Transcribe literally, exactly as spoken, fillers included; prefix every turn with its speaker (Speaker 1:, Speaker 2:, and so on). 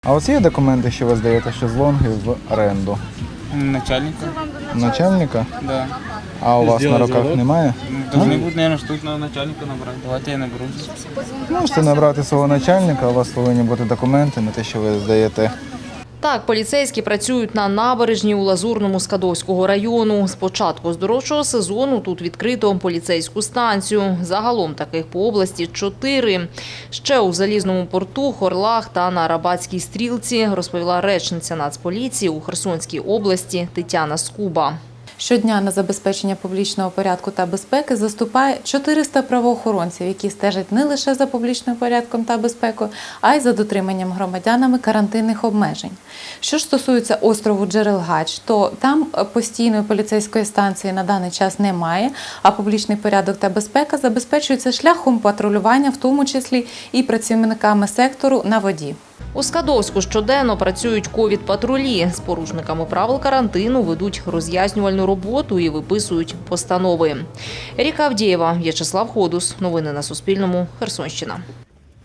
Speaker 1: А у вас є документи, що ви здаєте шезлонги в оренду?
Speaker 2: Начальника.
Speaker 1: Начальника?
Speaker 2: Да.
Speaker 1: А у вас на руках немає?
Speaker 2: Должны будут, наверное, штучного начальника набрать. Давайте я наберу.
Speaker 1: Можете набрати свого начальника, у вас повинні бути документи на те, що ви здаєте.
Speaker 3: Так, поліцейські працюють на набережній у Лазурному Скадовського району. З початку здоровчого сезону тут відкрито поліцейську станцію. Загалом таких по області чотири. Ще у Залізному порту, Хорлах та на Арабатській стрілці, розповіла речниця Нацполіції у Херсонській області Тетяна Скуба.
Speaker 4: Щодня на забезпечення публічного порядку та безпеки заступає чотириста правоохоронців, які стежать не лише за публічним порядком та безпекою, а й за дотриманням громадянами карантинних обмежень. Що ж стосується острову Джерелгач, то там постійної поліцейської станції на даний час немає, а публічний порядок та безпека забезпечуються шляхом патрулювання, в тому числі і працівниками сектору на воді.
Speaker 3: У Скадовську щоденно працюють ковід-патрулі. З порушниками правил карантину ведуть роз'яснювальну роботу і виписують постанови. Ріка Авдієва, В'ячеслав Ходус. Новини на Суспільному. Херсонщина.